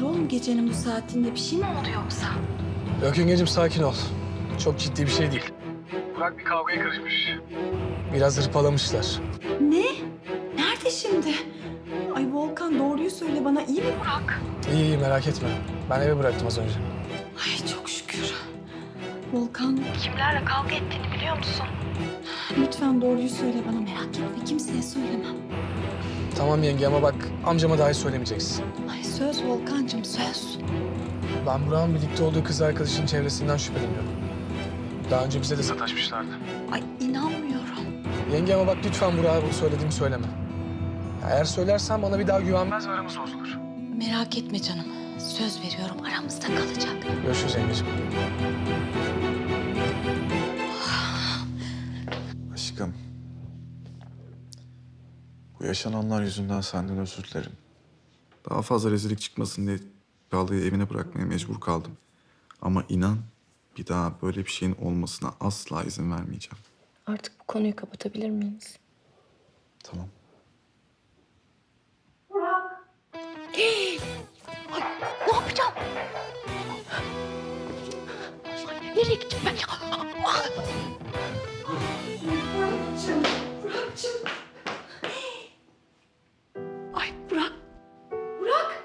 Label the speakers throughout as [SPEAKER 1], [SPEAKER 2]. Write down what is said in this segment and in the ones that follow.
[SPEAKER 1] hayırdır oğlum gecenin bu saatinde? Bir şey mi oldu yoksa?
[SPEAKER 2] Yok yengecim sakin ol. Çok ciddi bir şey değil. Burak bir kavgaya karışmış. Biraz hırpalamışlar.
[SPEAKER 1] Ne? Nerede şimdi? Ay Volkan doğruyu söyle bana, iyi mi Burak?
[SPEAKER 2] İyi iyi merak etme. Ben eve bıraktım az önce.
[SPEAKER 1] Ay çok şükür. Volkan kimlerle kavga ettiğini biliyor musun? Lütfen doğruyu söyle bana, merak etme, kimseye söylemem.
[SPEAKER 2] Tamam yenge ama bak amcama dahi söylemeyeceksin.
[SPEAKER 1] Ay söz Volkancığım, söz.
[SPEAKER 2] Ben Burak'ın birlikte olduğu kız arkadaşının çevresinden şüpheleniyorum. Daha önce bize de sataşmışlardı.
[SPEAKER 1] Ay inanmıyorum.
[SPEAKER 2] Yenge ama bak lütfen Burak'a bu söylediğimi söyleme. Ya eğer söylersen bana bir daha güvenmez ve aramız bozulur.
[SPEAKER 1] Merak etme canım. Söz veriyorum, aramızda kalacak.
[SPEAKER 2] Görüşürüz yengecim.
[SPEAKER 3] Aşkım. Bu yaşananlar yüzünden senden özür dilerim. Daha fazla rezillik çıkmasın diye Çağla'yı evine bırakmaya mecbur kaldım. Ama inan bir daha böyle bir şeyin olmasına asla izin vermeyeceğim.
[SPEAKER 4] Artık bu konuyu kapatabilir miyiz?
[SPEAKER 3] Tamam.
[SPEAKER 1] Ne yapacağım? Nereye gideceğim ben ya? Burak'cığım. Ay Burak. Burak.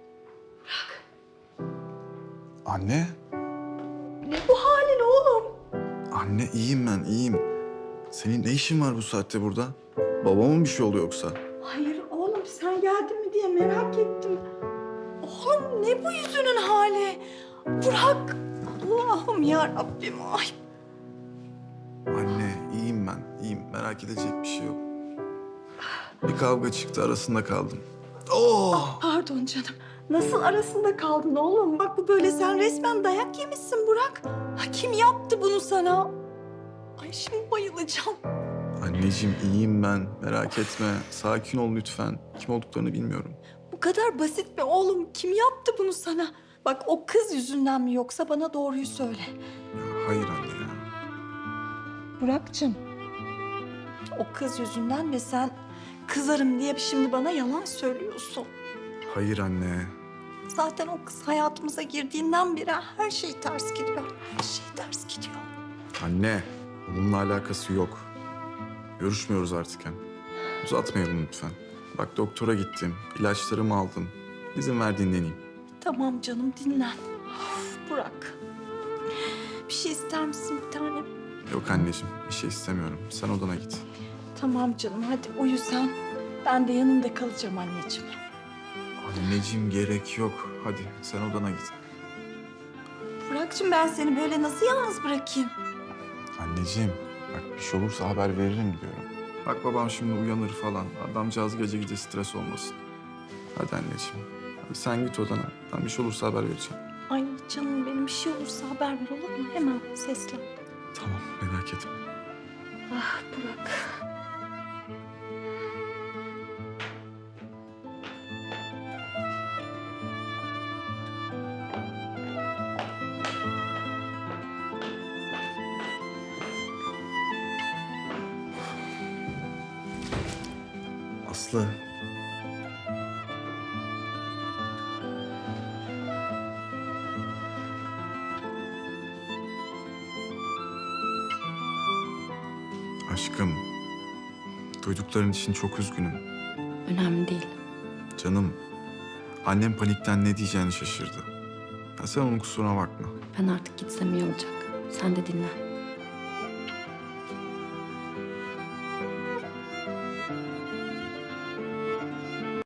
[SPEAKER 3] Anne.
[SPEAKER 1] Ne bu halin oğlum?
[SPEAKER 3] Anne iyiyim ben iyiyim. Senin ne işin var bu saatte burada? Babama mı bir şey oluyor yoksa?
[SPEAKER 1] Hayır oğlum, sen geldin mi diye merak ettim. Oğlum ne bu yüzünün hali? Burak. Allah'ım ya Rabbim. Ay.
[SPEAKER 3] Anne iyiyim ben iyiyim. Merak edecek bir şey yok. Bir kavga çıktı arasında kaldım. Oh!
[SPEAKER 1] Pardon canım. Nasıl arasında kaldın oğlum? Bak bu böyle, sen resmen dayak yemişsin Burak. Ha, kim yaptı bunu sana? Ay şimdi bayılacağım.
[SPEAKER 3] Anneciğim iyiyim ben. Merak etme. Sakin ol lütfen. Kim olduklarını bilmiyorum.
[SPEAKER 1] Bu kadar basit mi oğlum? Kim yaptı bunu sana? Bak o kız yüzünden mi yoksa bana doğruyu söyle.
[SPEAKER 3] Ya, hayır anne ya.
[SPEAKER 1] Burak'cığım. O kız yüzünden ve sen kızarım diye şimdi bana yalan söylüyorsun.
[SPEAKER 3] Hayır anne.
[SPEAKER 1] Zaten o kız hayatımıza girdiğinden beri her şey ters gidiyor. Her şey ters gidiyor.
[SPEAKER 3] Anne. Bununla alakası yok. Görüşmüyoruz artık hem. Uzatmayalım lütfen. Bak doktora gittim. İlaçlarımı aldım. İzin ver dinleneyim.
[SPEAKER 1] Tamam canım, dinlen. Of, Burak. Bir şey ister misin bir tanem?
[SPEAKER 3] Yok anneciğim. Bir şey istemiyorum. Sen odana git.
[SPEAKER 1] Tamam canım, hadi uyu sen. Ben de yanında kalacağım anneciğim.
[SPEAKER 3] Anneciğim gerek yok. Hadi sen odana git.
[SPEAKER 1] Burak'cığım ben seni böyle nasıl yalnız bırakayım?
[SPEAKER 3] Anneciğim bak bir şey olursa haber veririm diyorum. Bak babam şimdi uyanır falan. Adamcağız gece gece stres olmasın. Hadi anneciğim. Hadi sen git odana. Ben bir şey olursa haber vereceğim.
[SPEAKER 1] Ay canım benim, bir şey olursa haber ver olur mu? Hemen seslen.
[SPEAKER 3] Tamam merak etme.
[SPEAKER 1] Ah Burak.
[SPEAKER 3] Aslı. Aşkım. Duydukların için çok üzgünüm.
[SPEAKER 4] Önemli değil.
[SPEAKER 3] Canım. Annem panikten ne diyeceğini şaşırdı. Ya sen onun kusuruna bakma.
[SPEAKER 4] Ben artık gitsem iyi olacak. Sen de dinlen.